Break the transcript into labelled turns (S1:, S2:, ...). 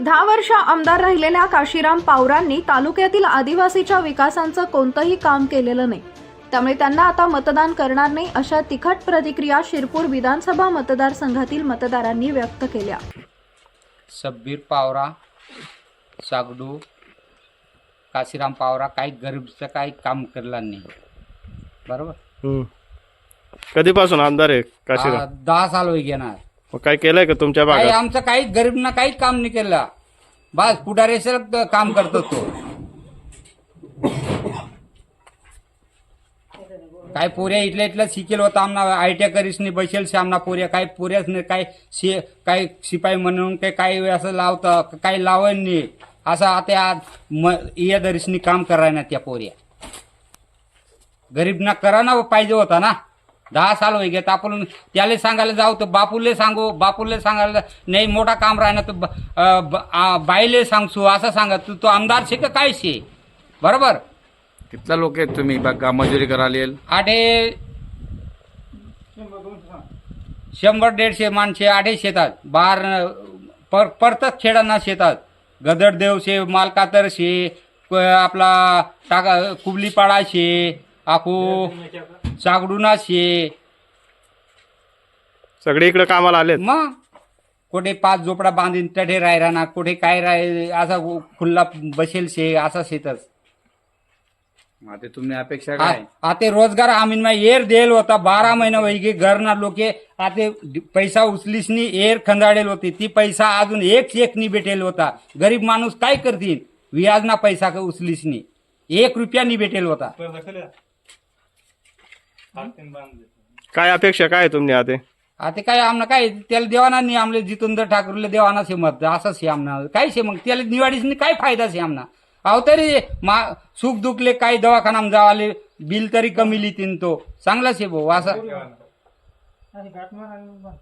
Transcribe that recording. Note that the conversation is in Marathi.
S1: 10 वर्ष आमदार राहिलेल्या काशीराम पावरांनी तालुक्यातील आदिवासीच्या विकासाचं कोणतंही काम केलेलं नाही, त्यामुळे त्यांना आता मतदान करणार नाही, अशा तिखट प्रतिक्रिया शिरपूर विधानसभा मतदारसंघातील मतदारांनी व्यक्त केल्या।
S2: शब्बीर पावरा, सागडू, काशीराम पावरा काही गरीबचं काही काम केलं नाही, बरोबर।
S3: कधीपासून आमदार आहे काशीराम?
S2: 10 साल होई घेणार।
S3: मग काय केलंय का तुमच्या
S2: काही
S3: भागात?
S2: आमचं काही गरीबना काही काम नाही केलं, बस पुढारीचं काम करतो तो। काय पोऱ्या इथल्या शिकेल होता आमना आयटीआय करीसनी बसेल से आमना पोऱ्या काही पोऱ्याच नाही, काही शिपाई म्हणून काही असं लावतं, काही लावण नाही असं आता आज या दरीसनी काम कराय ना त्या पोऱ्या। गरीबना करा ना पाहिजे होता ना। 10 साल होई घेत आपण त्याला सांगायला जाऊ तर बापूले सांगू, बापूले सांगायला नाही मोठा काम राहणार तर बाईले सांगसू असं सांगा। तू आमदार शे का काय शे, बरोबर।
S4: कितना लोक आहेत तुम्ही बघा मजुरी करायला येईल?
S2: 100-150 माणसे 8 शेतात बार परतच खेळांना शेतात गदरदेव शे, मालकातर शे, आपला टाका कुबलीपाडा शे, आखू सागडूना शे,
S3: सगळे इकडे कामाला आलेत।
S2: मग कुठे 5 झोपडा बांधीन तठे राहिला ना, कुठे काय राय असा खुल्ला बसेल शे असा शेतच।
S4: आता तुम्ही अपेक्षा काय?
S2: आता रोजगार आम्ही एर देल होता 12 महिना वैगे घरना लोके आता पैसा उचलीस नी एर खंदाडेल होती, ती पैसा अजून एक नी भेटेल होता। गरीब माणूस काय करतील, व्याजना पैसा का उचलीस नी 1 रुपया नी भेटेल होता।
S3: काय अपेक्षा काय तुम्ही
S2: आता काय आमना काय त्याला देवाना नाही, आमले जितेंद्र ठाकरेला देवाना शे मत असंच शे आमना काय शे, मग त्याला निवाडीस काय फायदा शे आमना। अहो तरी सुख दुखले काही दवाखाना जावाले बिल तरी कमी लिहितीन तो चांगला शे भाऊ असं।